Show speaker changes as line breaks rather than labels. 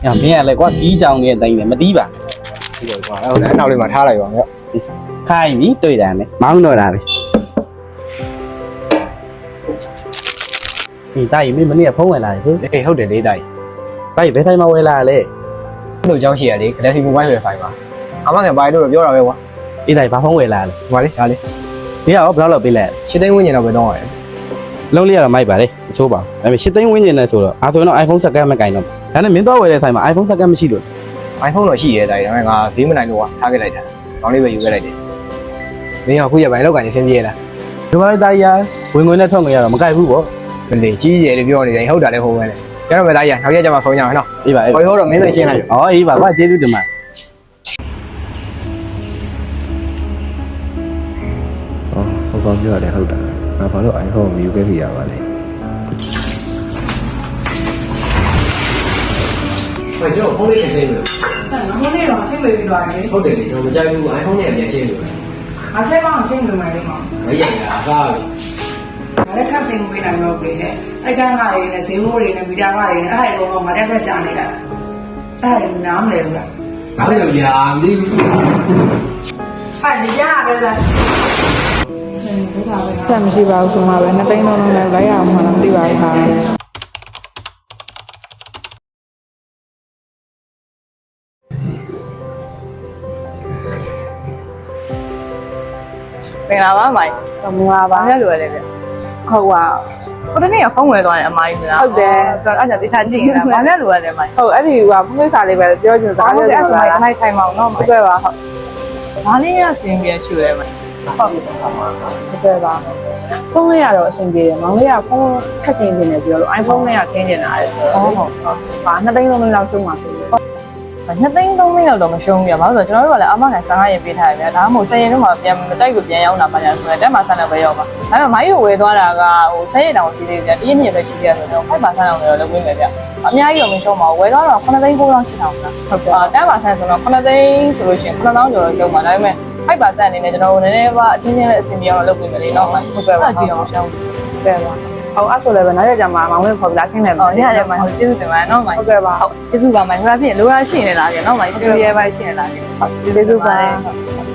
မင်းကလည်းကွာကြီးကြောင်နေတိုင်းနဲ့မတီးပါ
ဒီလိုကွာဟုတ်တယ်အနောက်လေးမှာထားလိုက်ပါမြောက်
ခိုင်းပြီတွေ့တယ်လေမောင်းတော့တာပဲဒီတိုက်မင်းမနေ့ကဖုံးဝင်လာတယ်ဟင်
အေးဟုတ်တယ်လေးတိုက်
တိုက်ဘယ်ဆိုင်မှာဝယ်လာလဲ
တို့เจ้าရှိရလေ Galaxy Mobile ဆိုတဲ့ file ပါအမကန်ပါလို့တော့ပြောတာပဲကွာ
ဒီတိုက်ဘာဖုံးဝယ်လာလဲ
ဒီမှာလေရှားလေး
ဒီကရောဘယ်လောက်ပေးလဲ
ရှစ်သိန်းဝန်းကျင်တော့ပဲတော့ရတယ်
လုံးလေးရတော့မိုက်ပါလေအဆိုးပါဒါပေမဲ့8သိန်းဝန်းကျင်နဲ့ဆိုတော့အားဆိုရင်တော့ iPhone စက္ကန့်မကင်တော့ဒါနဲ့မင်းတော့ဝယ်တဲ့ဆိုင်မှာ iPhone စက္ကန့်မရှိလို့
iPhone တော့ရှိရဲတိုက်ဒါပေမဲ့ငါဈေးမနိုင်လို့ကွာထားခဲ့လိုက်တာကောင်းလေးပဲယူခဲ့လိုက်တယ်မင်းကအခုရပိုင်းလောက်ကန်နေဆင်းပြေးလား
ဒီမှာတိုက်ရဝင်ငွေနဲ့ထွက်ငွေရတော့မကြိုက်ဘူးပေါ့
မလေးကြီးကျယ်လို့ပြောနေတယ်ဟုတ်တာလည်းဟုတ်ပဲလေကျွန်တော်ပဲတိုက်ရနောက်ရက်ကျမှဖုန်းကြအောင်နော်
အေးပါအေး
ဟိုတော့မင်းပဲရှင်းလိုက်
ဩအေးပါကွာကျေးဇူးတင်ပါ
ဟောဟိုကောင်ပြောရတယ်ဟုတ်တာငါဘာလို့ iPhone ကိုယူခဲ့ပြရပါလဲ
ဟိုကျွန်တော်ဖုန်းလေးရှင်းလို့
ငါမနေ့တော့ချင်းမေးပြီးသွားတယ်
ဟုတ်တယ်လေကျွန်တော်မကြိုက်ဘူး iPhone နဲ့ပြန်ရှင်းလို့
ငါချက်ပေါင်းချင်းမေးမယ်လေမောင်
မရရတာကားပြီ
ငါလည်းခန့်ချင်းပေးနိုင်တော့ပြီလေအဲ့ကန်းကားတွေနဲ့ဈေးမိုးတွေနဲ့မီတာကားတွေနဲ့အဲ့ဒါတွေကတော့ငါတက်ဖက်ရှာနေတာအဲ့ဒါနားမလဲဘူးလား
ဘာလို့လဲဗျာမသိဘူး
အဲ့ဒီရပဲလား
ဆက်မရှိပါဘူးဆိုမှပဲ2သိန်းလုံးလုံးနဲ့လိုက်ရအောင်မှလည်းမသိပါဘူးခါ
မင်္ဂလာပါမိုင်
မင်္ဂလာပါ
ဘာများလိုရလဲဗျ
ဟုတ်ပါ
ဟိုတနေ့ကဖုန်းဝယ်သွားတယ်အမိုင်းကလား
ဟုတ်တယ်
အဲ့ဒါတေချာကြည့်နေတာဘာများလိုရလဲမိုင်
ဟုတ်အဲ့ဒီကဖွင့်စာလေးပဲပြောချင်တာ
ဟုတ်ကဲ့အဲ့ဆိုမိုင်တစ်ထိုင်မအောင်နော်
ဟု
မိုင်
တ်ကဲ့ပါဟုတ်
ဘာလေးများစင်ပြရှူရဲမိုင်
ဟုတ်ကဲ့ပါဖုန်းလေးရတော့အဆင်ပြေတယ်မောင်လေးကဖုန်းခက်ချင်းနေတယ်ပြောလို့ iPhone နဲ့ကချင်းနေတာလေဆိုတော့ဟုတ်ပါ2သိန်းလုံးလုံးလောက်ရှုံးပါဆိုလို့
2သိန်း3သိန်းလောက်တော့မရှုံးဘူးပြဘာလို့ဆိုတော့ကျွန်တော်တို့ကလည်းအမကန်15ရက်ပေးထားရဗျာဒါမှမဟုတ်10ရက်တော့မှပြန်မကြိုက်ကိုပြန်ရောက်လာပါညာဆိုရင်တက်မှာဆန်းတော့ပဲရောက်ပါဒါပေမဲ့မိုင်းကိုဝယ်သွားတာကဟို10ရက်တောင်ပြည်သေးဗျာတရက်နှစ်ရက်ပဲရှိသေးတယ်ဆိုတော့5%လောက်တော့လုပ်ပေးမယ်ဗျအများကြီးတော့မရှုံးပါဘူးဝယ်သွားတော့9သိန်း9တောင်ရှိအောင်ဗျာဟုတ်ကဲ့တက်မှာဆန်းဆိုတော့9သိန်းဆိုလို့ရှိရင်9000ကျော်တော့ရှုံးပါဒါပေမဲ့5%အနေနဲ့ကျွန်တော်တို့နည်းနည်းပါအချင်းချင်းလေးအဆင်ပြေအောင်လုပ်ပေးမယ်လေနော်ဟုတ်ကဲ့ပါကြည့်အောင်ရှောင်း
ဟုတ်ကဲ့ပါဟုတ်အဲ့ဆိုလည်းပဲနောက်ရကြမှာမောင်လေးခေါ်ပြီးလာချင်းတယ်
ဟုတ်ရတယ်မိုင်ဟုတ်ကျေးဇူးတင်ပါတယ်နော်မိုင်
ဟုတ်ကဲ့ပါ
ဟုတ်ကျေးဇူးပါမိုင်ဟိုကဖြစ်လိုရရှိနေလားကြနော်မိုင်စီရီယယ်ပိုင်းရှိနေလားကြ
ကျေးဇူးပါ